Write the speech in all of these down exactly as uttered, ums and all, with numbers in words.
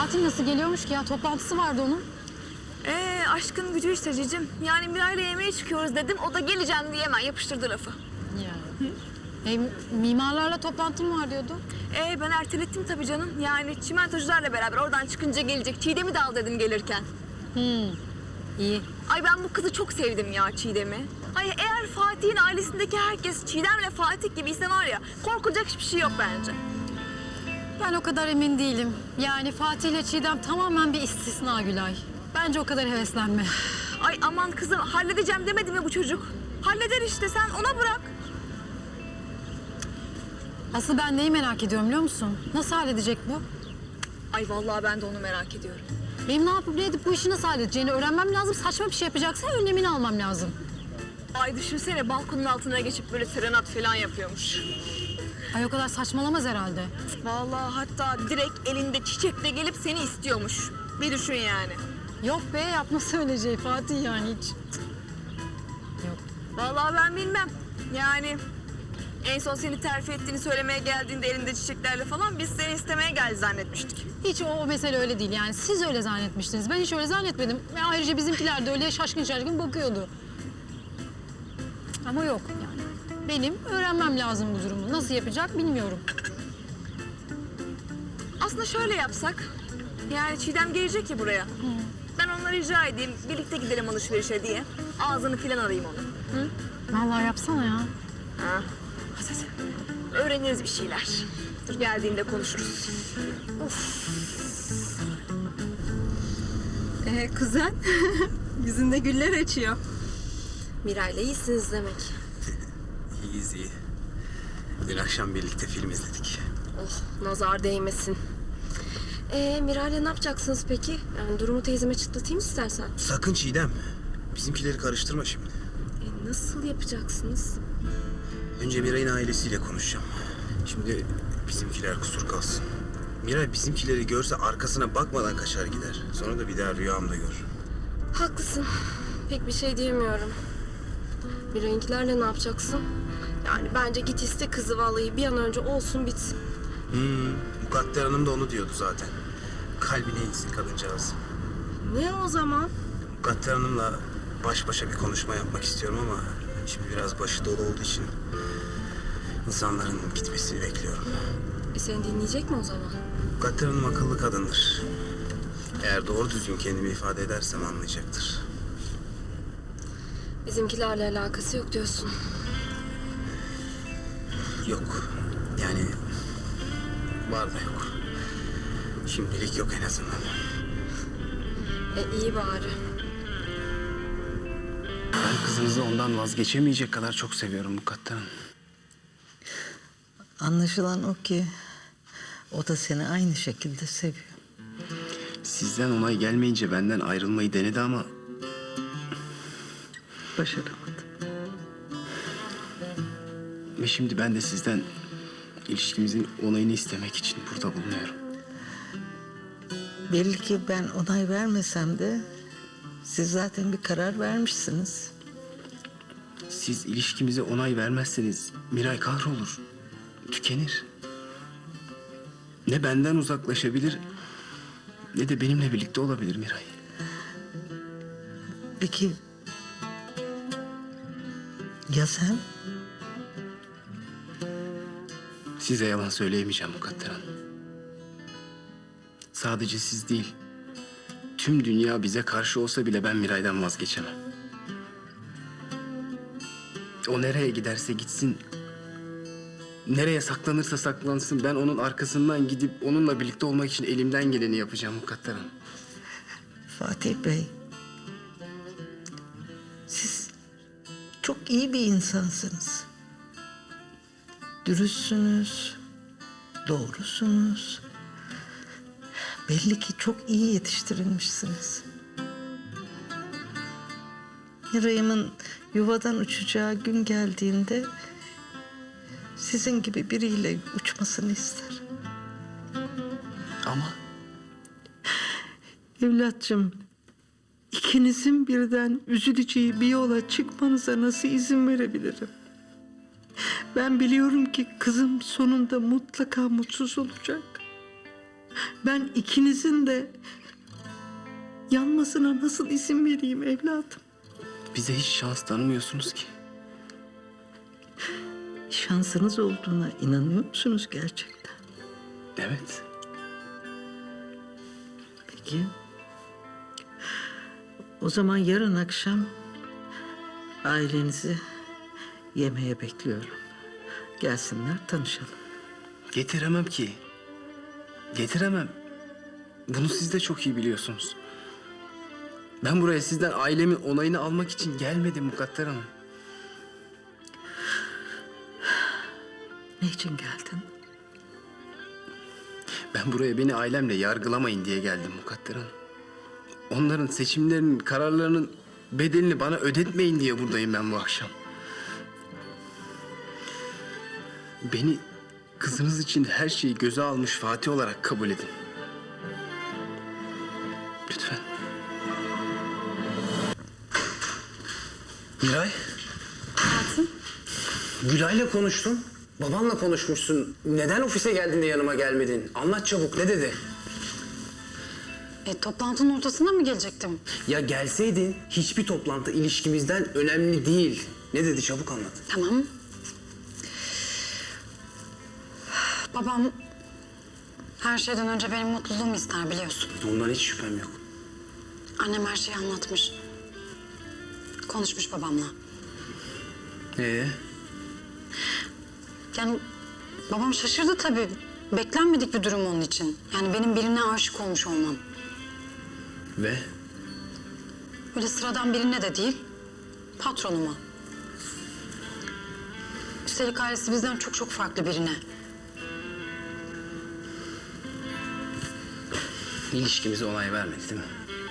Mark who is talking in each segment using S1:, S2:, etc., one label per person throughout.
S1: Fatih nasıl geliyormuş ki ya? Toplantısı vardı onun.
S2: Ee, aşkın gücü işte cicim. Yani Miray'la yemeğe çıkıyoruz dedim. O da geleceğim diye hemen yapıştırdı lafı.
S1: Ya. E, mimarlarla toplantım var diyordu.
S2: Ee, ben ertelettim tabii canım. Yani çimentocularla beraber oradan çıkınca gelecek. Çiğdem'i de al dedim gelirken.
S1: Hmm. İyi.
S2: Ay ben bu kızı çok sevdim ya, Çiğdem'i. Ay eğer Fatih'in ailesindeki herkes Çiğdem'le Fatih gibiyse var ya, korkulacak hiçbir şey yok bence.
S1: Ben o kadar emin değilim. Yani Fatih ile Çiğdem tamamen bir istisna Gülay. Bence o kadar heveslenme.
S2: Ay aman kızım, halledeceğim demedi mi bu çocuk? Halleder işte, sen ona bırak.
S1: Asıl ben neyi merak ediyorum biliyor musun? Nasıl halledecek bu?
S2: Ay vallahi ben de onu merak ediyorum.
S1: Benim ne yapıp ne edip bu işi nasıl halledeceğini öğrenmem lazım. Saçma bir şey yapacaksa önlemini almam lazım.
S2: Ay düşünsene, balkonun altına geçip böyle serenat falan yapıyormuş.
S1: Ay o kadar saçmalamaz herhalde.
S2: Vallahi hatta direkt elinde çiçekle gelip seni istiyormuş. Bir düşün yani.
S1: Yok be, yapması öyle şey Fatih yani hiç. Yok.
S2: Vallahi ben bilmem. Yani en son seni terfi ettiğini söylemeye geldiğinde elinde çiçeklerle falan biz seni istemeye geldi zannetmiştik.
S1: Hiç o, o mesele öyle değil yani. Siz öyle zannetmiştiniz. Ben hiç öyle zannetmedim. Ve ayrıca bizimkiler de öyle şaşkın şaşkın bakıyordu. Ama yok yani. Benim öğrenmem lazım bu durumu. Nasıl yapacak bilmiyorum.
S2: Aslında şöyle yapsak. Yani Çiğdem gelecek ya buraya. Hı. Ben onlara rica edeyim, birlikte gidelim alışverişe diye. Ağzını filan arayayım onu. Hı?
S1: Vallahi yapsana ya.
S2: Ha. Hadi hadi. Öğreniriz bir şeyler. Dur geldiğinde konuşuruz. Of.
S3: Ee, kuzen, yüzünde güller açıyor. Miray'la iyisiniz demek.
S4: İyiyiz iyi. Dün akşam birlikte film izledik.
S3: Oh, nazar değmesin. Ee, Miray'la ne yapacaksınız peki? Yani durumu teyzeme çıtlatayım istersen.
S4: Sakın Çiğdem. Bizimkileri karıştırma şimdi.
S3: E, nasıl yapacaksınız?
S4: Önce Miray'ın ailesiyle konuşacağım. Şimdi bizimkiler kusur kalsın. Miray bizimkileri görse arkasına bakmadan kaçar gider. Sonra da bir daha rüyamda gör.
S3: Haklısın. Pek bir şey diyemiyorum. Miray'ınkilerle ne yapacaksın? Yani bence git iste kızı vallahi bir an önce olsun bitsin.
S4: Hmm, Mukadder Hanım da onu diyordu zaten. Kalbine insin kadıncağız.
S3: Ne o zaman?
S4: Mukadder Hanım'la baş başa bir konuşma yapmak istiyorum ama şimdi biraz başı dolu olduğu için insanların gitmesini bekliyorum.
S3: E seni dinleyecek mi o zaman?
S4: Mukadder Hanım akıllı kadındır. Eğer doğru düzgün kendimi ifade edersem anlayacaktır.
S3: Bizimkilerle alakası yok diyorsun.
S4: Yok. Yani var da yok. Şimdilik yok en azından.
S3: E iyi bari.
S4: Ben kızınızı ondan vazgeçemeyecek kadar çok seviyorum Mukadder Hanım.
S5: Anlaşılan o ki o da seni aynı şekilde seviyor.
S4: Sizden onay gelmeyince benden ayrılmayı denedi ama
S5: Başaramadı.
S4: ve şimdi ben de sizden ilişkimizin onayını istemek için burada bulunuyorum.
S5: Belli ki ben onay vermesem de siz zaten bir karar vermişsiniz.
S4: Siz ilişkimize onay vermezseniz Miray kahrolur, tükenir. Ne benden uzaklaşabilir ne de benimle birlikte olabilir Miray.
S5: Peki ya sen?
S4: Size yalan söyleyemeyeceğim Mukadder Hanım. Sadece siz değil, tüm dünya bize karşı olsa bile ben Miray'dan vazgeçemem. O nereye giderse gitsin, nereye saklanırsa saklansın, ben onun arkasından gidip onunla birlikte olmak için elimden geleni yapacağım Mukadder Hanım.
S5: Fatih Bey, siz çok iyi bir insansınız. Dürüstsünüz, doğrusunuz. Belli ki çok iyi yetiştirilmişsiniz. Miray'ımın yuvadan uçacağı gün geldiğinde sizin gibi biriyle uçmasını ister.
S4: Ama
S5: Evlatçım, ikinizin birden üzüleceği bir yola çıkmanıza nasıl izin verebilirim? Ben biliyorum ki kızım sonunda mutlaka mutsuz olacak. Ben ikinizin de yanmasına nasıl izin vereyim evladım?
S4: Bize hiç şans tanımıyorsunuz ki.
S5: Şansınız olduğuna inanıyor musunuz gerçekten?
S4: Evet.
S5: Peki. O zaman yarın akşam ailenizi yemeğe bekliyorum. Gelsinler, tanışalım.
S4: Getiremem ki. Getiremem. Bunu siz de çok iyi biliyorsunuz. Ben buraya sizden ailemin onayını almak için gelmedim Mukadder Hanım.
S5: Ne için geldin?
S4: Ben buraya beni ailemle yargılamayın diye geldim Mukadder Hanım. Onların seçimlerinin, kararlarının bedelini bana ödetmeyin diye buradayım ben bu akşam. Beni kızınız için her şeyi göze almış Fatih olarak kabul edin. Lütfen.
S6: Miray. Gülay'la konuştum. Babanla konuşmuşsun. Neden ofise geldin de yanıma gelmedin? Anlat çabuk, ne dedi?
S1: E, toplantının ortasında mı gelecektim?
S6: Ya gelseydin hiçbir toplantı ilişkimizden önemli değil. Ne dedi, çabuk anlat.
S1: Tamam. Babam her şeyden önce benim mutluluğumu ister biliyorsun.
S6: Ondan hiç şüphem yok.
S1: Annem her şeyi anlatmış. Konuşmuş babamla.
S4: Ee?
S1: Yani babam şaşırdı tabii. Beklenmedik bir durum onun için. Yani benim birine aşık olmuş olmam.
S4: Ve?
S1: Öyle sıradan birine de değil, patronuma. Üstelik ailesi bizden çok çok farklı birine.
S4: İlişkimize onay vermedi değil mi?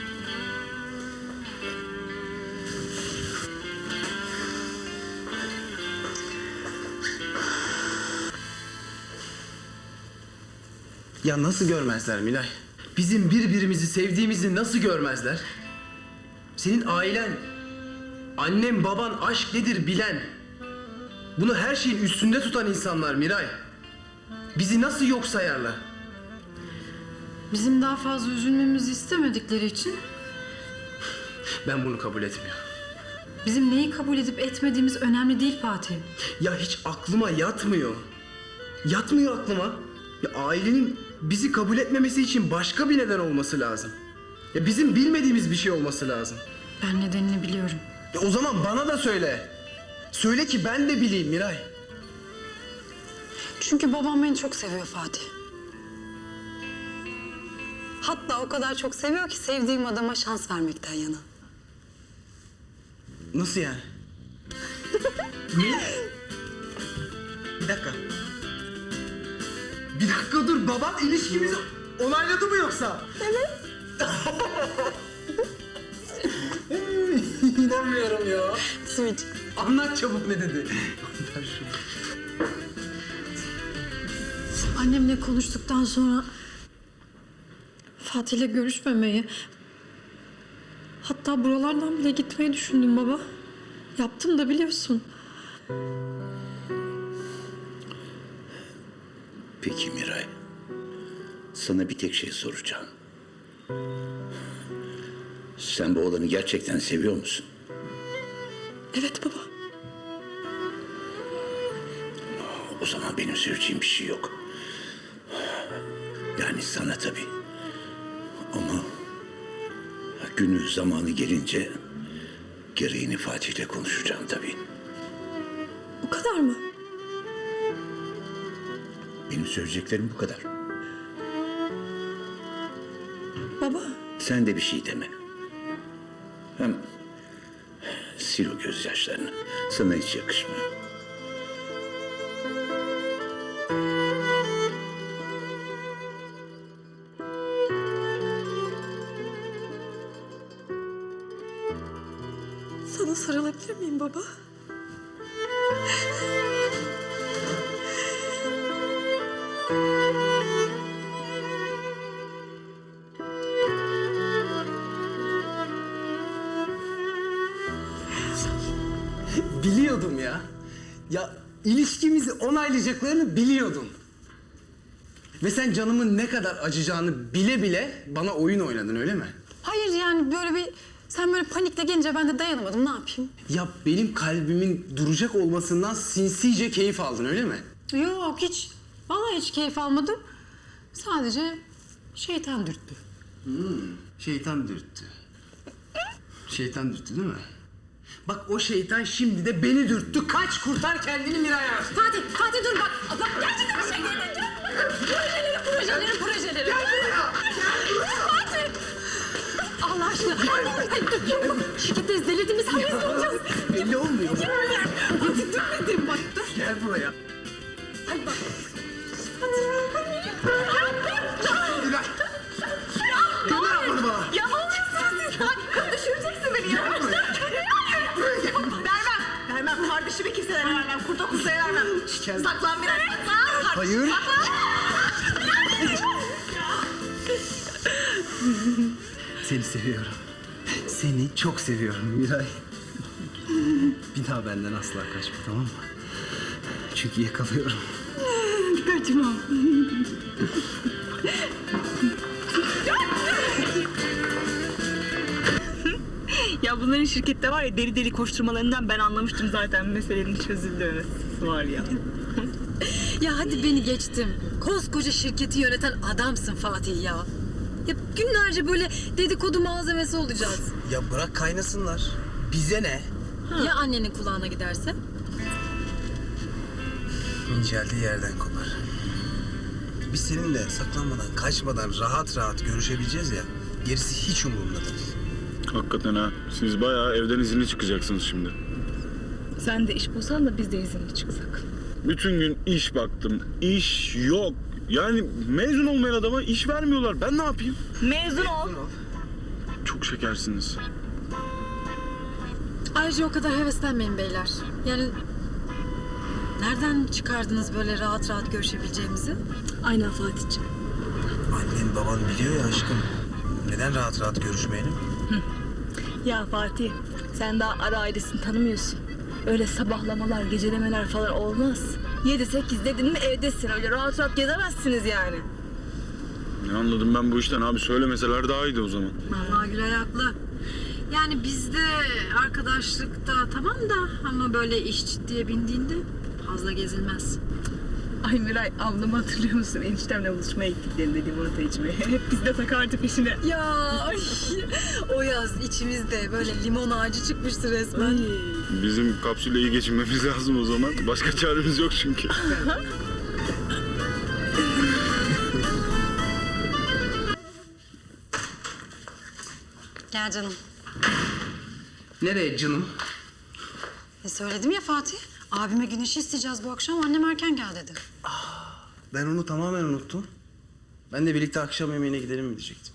S4: Ya nasıl görmezler Milay? Bizim birbirimizi sevdiğimizi nasıl görmezler? Senin ailen, annem, baban aşk nedir bilen, bunu her şeyin üstünde tutan insanlar Miray. Bizi nasıl yok sayarlar?
S1: Bizim daha fazla üzülmemizi istemedikleri için
S4: Ben bunu kabul etmiyorum.
S1: bizim neyi kabul edip etmediğimiz önemli değil Fatih.
S4: Ya hiç aklıma yatmıyor. Yatmıyor aklıma. Ya ailenin bizi kabul etmemesi için başka bir neden olması lazım. Ya bizim bilmediğimiz bir şey olması lazım.
S1: Ben nedenini biliyorum.
S4: Ya o zaman bana da söyle. Söyle ki ben de bileyim Miray.
S1: Çünkü babam beni çok seviyor Fatih. Hatta o kadar çok seviyor ki sevdiğim adama şans vermekten yana.
S4: Nasıl yani? Ne? Bir dakika. Bir dakika dur. Baban ilişkimizi onayladı mı yoksa? Evet. İnanmıyorum ya.
S1: Simit.
S4: Anlat çabuk ne dedi. Ver şunu.
S1: Annemle konuştuktan sonra Fatih'le görüşmemeyi, hatta buralardan bile gitmeyi düşündüm baba. Yaptım da biliyorsun.
S7: Peki Miray, sana bir tek şey soracağım. Sen bu oğlanı gerçekten seviyor musun?
S1: Evet baba.
S7: O zaman benim söyleyeceğim bir şey yok. Yani sana tabii. Ama günü zamanı gelince gereğini Fatih'le konuşacağım tabii.
S1: O kadar mı?
S7: Benim söyleyeceklerim bu kadar.
S1: Baba.
S7: Sen de bir şey deme. Hem sil o gözyaşlarını. Sana hiç yakışmıyor.
S1: Sana sarılabilir miyim baba?
S6: Biliyordum ya. Ya ilişkimizi onaylayacaklarını biliyordum. Ve sen canımın ne kadar acıyacağını bile bile bana oyun oynadın öyle mi?
S1: Hayır yani böyle bir... Sen böyle panikle gelince ben de dayanamadım. Ne yapayım?
S6: Ya benim kalbimin duracak olmasından sinsice keyif aldın öyle mi?
S1: Yok hiç. Vallahi hiç keyif almadım. Sadece şeytan dürttü.
S6: Şeytan dürttü. Şeytan dürttü değil mi? Bak o şeytan şimdi de beni dürttü. Kaç kurtar kendini Miray'a.
S1: Fatih, Fatih dur bak. Bak gerçekten bir şey gelmeyeceğim. Projeleri, projeleri, projeleri. Fatih! Allah aşkına. Şirketteyiz, delirdiniz. Sen biz ne olacağız?
S6: Belli olmuyor.
S1: Fatih dur dedim bak. Dur.
S6: Gel buraya.
S1: Hadi bak.
S6: Miray. Gönder ablanı bana.
S2: Ya ne oluyorsunuz siz? Lan düşüreceksin beni ya. Vermem. Vermem. Kardeşimi kimselere vermem. Kurda kuzeye vermem.
S6: Gel.
S2: Saklan biraz. Saklan.
S6: Hayır. Seni seviyorum. Seni çok seviyorum Miray. Bir daha benden asla kaçma tamam mı? Çünkü yakalıyorum.
S1: Kaçmam.
S8: Ya bunların şirkette var ya deli deli koşturmalarından ben anlamıştım zaten meselenin çözüldüğünü. Var ya.
S1: Ya hadi beni geçtim. Koskoca şirketi yöneten adamsın Fatih ya. Ya günlerce böyle dedikodu malzemesi olacağız.
S6: Ya bırak kaynasınlar. Bize ne?
S1: Ya annenin kulağına giderse?
S9: İnceldiği yerden kopar. Biz seninle saklanmadan, kaçmadan rahat rahat görüşebileceğiz ya. Gerisi hiç umurumda değil.
S10: Hakikaten ha. Siz bayağı evden izinli çıkacaksınız şimdi.
S8: Sen de iş bulsan da biz de izinli çıksak.
S10: Bütün gün iş baktım. İş yok. Yani mezun olmayan adama iş vermiyorlar. Ben ne yapayım?
S8: Mezun ol.
S10: Çok şekersiniz.
S1: Ayrıca o kadar heveslenmeyin beyler. Yani nereden çıkardınız böyle rahat rahat görüşebileceğimizi?
S8: Aynen Fatih'ciğim.
S9: Annen baban biliyor ya aşkım. Neden rahat rahat görüşmeyelim?
S8: Ya Fatih sen daha ara ailesini tanımıyorsun. Öyle sabahlamalar, gecelemeler falan olmaz. Yedi sekiz dedin mi evdesin. Öyle rahat rahat gezemezsiniz yani.
S10: Ne anladım ben bu işten abi? Söylemeseler daha iyiydi o zaman.
S1: Vallahi Gülay haklı. Yani bizde arkadaşlıkta tamam da ama böyle iş ciddiye bindiğinde fazla gezilmez.
S8: Ay Miray ablamı hatırlıyor musun? Eniştemle buluşmaya gittiklerinde limonata içmeye. Hep biz de takardı peşine.
S1: Ya ay, o yaz içimizde böyle limon ağacı çıkmıştı resmen.
S10: Bizim kapsülle iyi geçinmemiz lazım o zaman. Başka çaremiz yok çünkü.
S1: Gel canım.
S6: Nereye canım?
S1: E söyledim ya Fatih. Abime güneşi isteyeceğiz bu akşam. Annem erken gel dedi.
S6: Ben onu tamamen unuttum. Ben de birlikte akşam yemeğine gidelim mi diyecektim.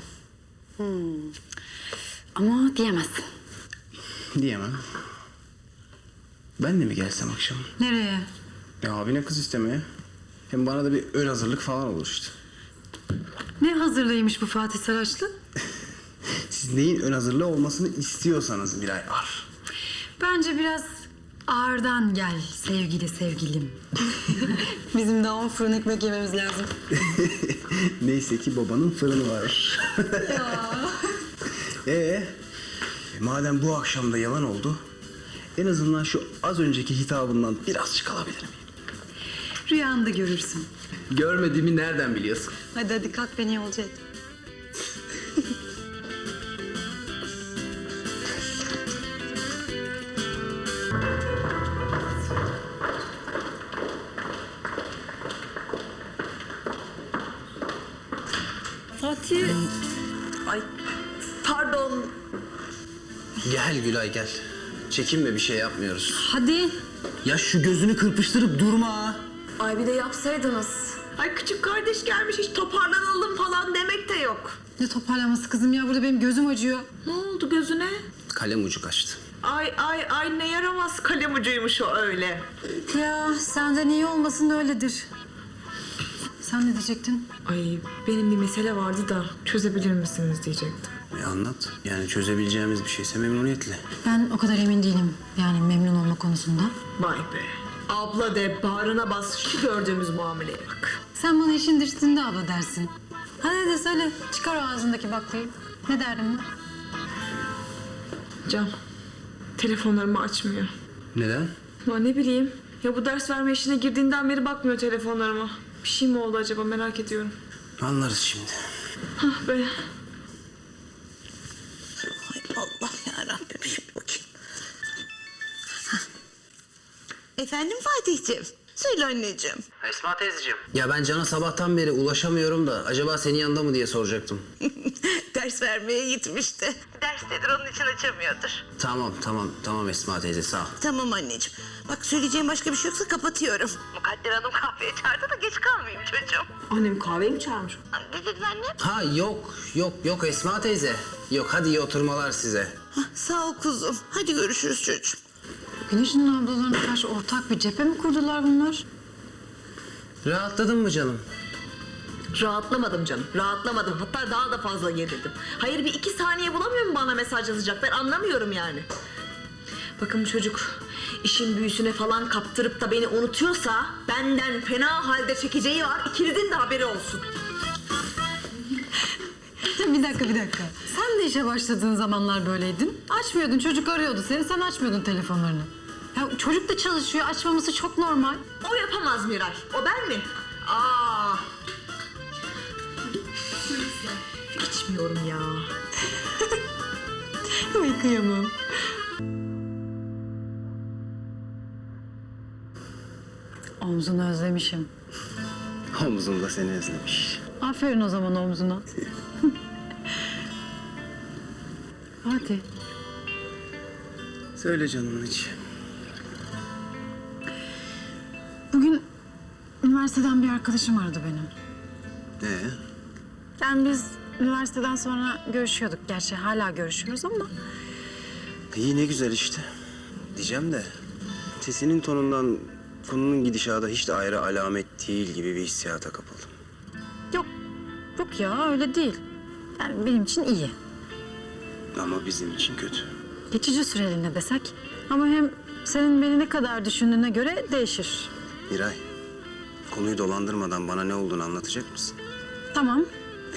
S1: Ama diyemezsin.
S6: Diyemem. Ben de mi gelsem akşam?
S1: Nereye?
S6: Ya abine kız istemeye. Hem bana da bir ön hazırlık falan olur işte.
S1: Ne hazırlaymış bu Fatih Saraçlı?
S6: Siz neyin ön hazırlığı olmasını istiyorsanız Miray Ar.
S1: Bence biraz ağırdan gel sevgili sevgilim. Bizim daha on fırın ekmek yememiz lazım.
S6: Neyse ki babanın fırını var. Ee, madem bu akşam da yalan oldu, en azından şu az önceki hitabından birazcık alabilir miyim?
S1: Rüyanda görürsün.
S6: Görmediğimi nereden biliyorsun?
S1: Hadi hadi kalk beni yolcu et.
S2: Fatih. Ay pardon.
S6: Gel Gülay gel. Çekinme bir şey yapmıyoruz.
S1: Hadi.
S6: Ya şu gözünü kırpıştırıp durma.
S2: Ay bir de yapsaydınız.
S8: Ay küçük kardeş gelmiş hiç toparlanalım falan demek de yok.
S1: Ne toparlaması kızım ya, burada benim gözüm acıyor.
S8: Ne oldu gözüne?
S6: Kalem ucu kaçtı.
S8: Ay ay ay ne yaramaz kalem ucuymuş o öyle.
S1: Ya senden iyi olmasın öyledir. Sen ne diyecektin?
S2: Ay benim bir mesele vardı da çözebilir misiniz diyecektim.
S6: E anlat. Yani çözebileceğimiz bir şeyse memnuniyetle.
S1: Ben o kadar emin değilim yani memnun olma konusunda.
S8: Vay be. Abla de bağrına bas şu gördüğümüz muameleye bak.
S1: Sen bana işin düştüğünde abla dersin. Hadi de söyle, çıkar o ağzındaki baklayı. Ne derdin var?
S2: Can, telefonlarımı açmıyor.
S4: Neden?
S2: Ya ne bileyim. Ya bu ders verme işine girdiğinden beri bakmıyor telefonlarıma. Bir şey mi oldu acaba merak ediyorum.
S9: Anlarız şimdi.
S2: Hah be.
S5: Ay Allah yarabbim, şimdi bakayım. Hah. Efendim Fatih'ciğim, söyle anneciğim.
S4: Esma teyzeciğim. Ya ben Can'a sabahtan beri ulaşamıyorum da acaba senin yanında mı diye soracaktım.
S5: Ders vermeye gitmişti. Derstedir, onun için açamıyordur.
S4: Tamam tamam tamam Esma teyze sağ ol.
S5: Tamam anneciğim. Bak söyleyeceğim başka bir şey yoksa kapatıyorum. Mukadder Hanım kahveye çağırdı da geç kalmayayım çocuğum.
S2: Annem kahveye mi çağırmış?
S5: Ne dedin anne?
S4: Ha yok yok yok Esma teyze. Yok hadi iyi oturmalar size.
S5: Hah, sağ ol kuzum. Hadi görüşürüz çocuğum.
S1: Güneş'in ablalarına karşı ortak bir cephe mi kurdular bunlar?
S4: Rahatladın mı canım?
S2: Rahatlamadım canım. Rahatlamadım. Hatta daha da fazla gerildim. Hayır bir iki saniye bulamıyor mu bana mesaj yazacak? Ben anlamıyorum yani. Bakın bu çocuk işin büyüsüne falan kaptırıp da beni unutuyorsa benden fena halde çekeceği var. İkinizin de haberi olsun.
S1: Bir dakika bir dakika. Sen de işe başladığın zamanlar böyleydin. Açmıyordun, çocuk arıyordu seni, sen açmıyordun telefonlarını. Ya çocuk da çalışıyor, açmaması çok normal.
S2: O yapamaz Miray. O ben mi? Aa. İçmiyorum ya.
S1: Ay kıyamam. Omzunu özlemişim.
S4: Omzum da seni özlemiş.
S1: Aferin o zaman omzuna. Hadi.
S4: Söyle canımın içi.
S1: Bugün üniversiteden bir arkadaşım aradı benim.
S4: Ee?
S1: Yani biz üniversiteden sonra görüşüyorduk. Gerçi hala görüşüyoruz ama...
S9: İyi ne güzel işte. Diyeceğim de sesinin tonundan konunun gidişata hiç de ayrı alamet değil gibi bir hissiyata kapıldım.
S1: Yok, yok ya öyle değil. Yani benim için iyi.
S9: Ama bizim için kötü.
S1: Geçici süreliğine desek. Ama hem senin beni ne kadar düşündüğüne göre değişir.
S9: Miray, konuyu dolandırmadan bana ne olduğunu anlatacak mısın?
S1: Tamam.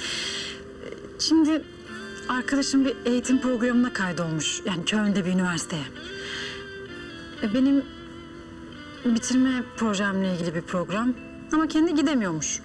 S1: Şimdi arkadaşım bir eğitim programına kaydolmuş. Yani Köln'de bir üniversiteye. E, Benim bitirme projemle ilgili bir program. Ama kendi gidemiyormuş.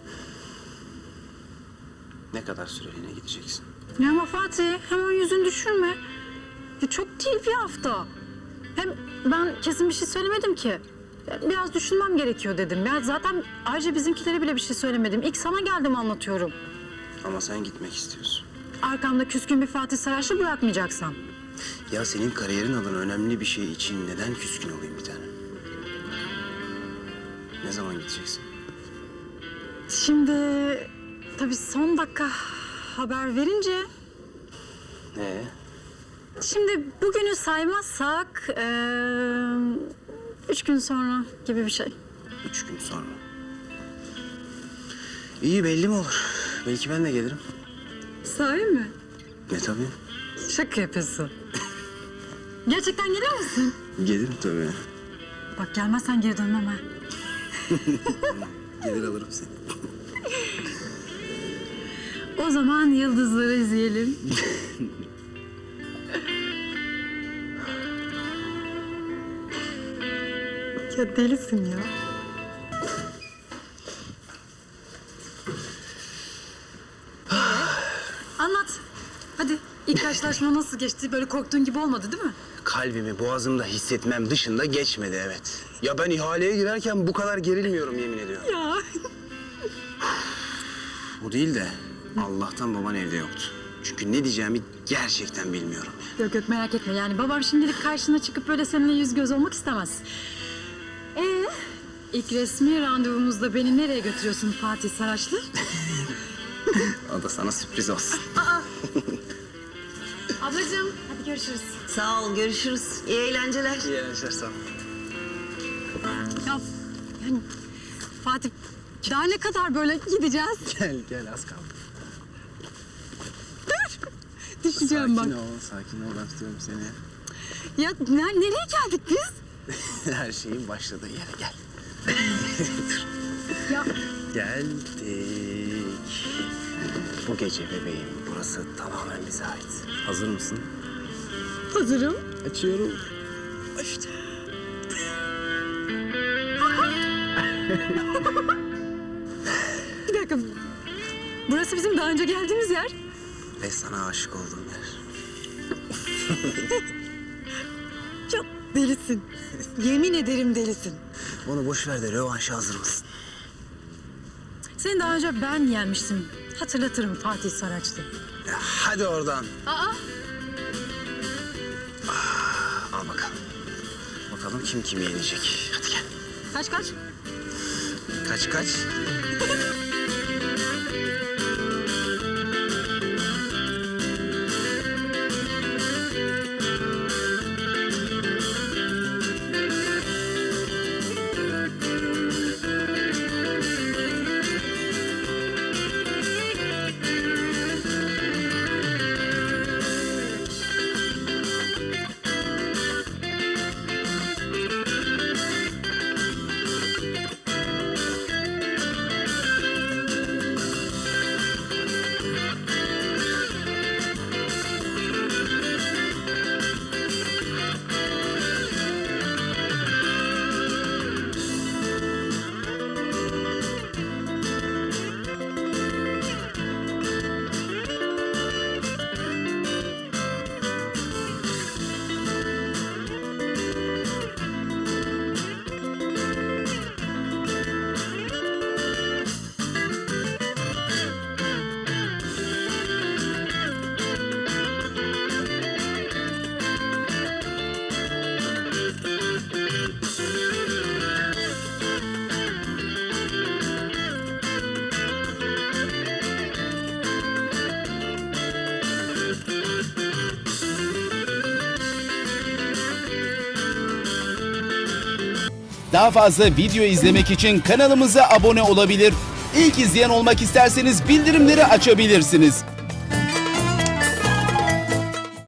S9: Ne kadar süreliğine gideceksin?
S1: Ya ama Fatih hemen yüzünü düşürme. Ya çok değil bir hafta. Hem ben kesin bir şey söylemedim ki. Ya biraz düşünmem gerekiyor dedim. Ya zaten ayrıca bizimkilere bile bir şey söylemedim. İlk sana geldim anlatıyorum.
S9: Ama sen gitmek istiyorsun.
S1: Arkamda küskün bir Fatih Saraç'ı bırakmayacaksam.
S9: Ya senin kariyerin adına önemli bir şey için neden küskün olayım bir tane? Ne zaman gideceksin?
S1: Şimdi tabii son dakika haber verince...
S9: Ee?
S1: Şimdi bugünü saymazsak... eee, üç gün sonra gibi bir şey.
S9: Üç gün sonra. İyi belli mi olur? Belki ben de gelirim.
S1: Sahi mi?
S9: Ne tabii?
S1: Şaka yapıyorsun. Gerçekten gelir misin?
S9: Gelirim tabii.
S1: Bak gelmezsen geri dönmem ha.
S9: Gelir alırım seni.
S1: O zaman yıldızları izleyelim. Ya delisin ya. Anlat. Hadi ilk karşılaşma nasıl geçti? Böyle korktuğun gibi olmadı değil mi?
S9: Kalbimi boğazımda hissetmem dışında geçmedi evet. Ya ben ihaleye girerken bu kadar gerilmiyorum yemin ediyorum.
S1: Ya.
S9: Bu değil de Allah'tan baban evde yoktu. Çünkü ne diyeceğimi gerçekten bilmiyorum.
S1: Yok yok merak etme yani babam şimdilik karşına çıkıp böyle seninle yüz göz olmak istemez. Ee, ilk resmi randevumuzda beni nereye götürüyorsun Fatih Saraçlı?
S9: O da sana sürpriz olsun.
S1: Ablacığım hadi görüşürüz.
S5: Sağ ol, görüşürüz. İyi eğlenceler.
S9: İyi eğlenceler sağ ol.
S1: Ya yani Fatih daha ne kadar böyle gideceğiz?
S9: Gel gel az kaldı.
S1: Düşeceğim bak.
S9: Sakin ol, sakin ol. Ben tutuyorum seni.
S1: Ya ne- nereye geldik biz?
S9: Her şeyin başladığı yere gel.
S1: Ya
S9: Geldik. Bu gece bebeğim, burası tamamen bize ait. Hazır mısın?
S1: Hazırım.
S9: Açıyorum.
S1: Bir dakika. Burası bizim daha önce geldiğimiz yer.
S9: Ve sana aşık olduğum yer.
S1: Çok delisin. Yemin ederim delisin.
S9: Onu boş ver de rövanşa hazır mısın?
S1: Seni daha önce ben yenmiştim. Hatırlatırım Fatih Saraçlı.
S9: Ya hadi oradan.
S1: Aa,
S9: Al bakalım. Bakalım kim kimi yenecek. Hadi gel.
S1: kaç kaç?
S9: Kaç kaç.
S11: Daha fazla video izlemek için kanalımıza abone olabilir. İlk izleyen olmak isterseniz bildirimleri açabilirsiniz.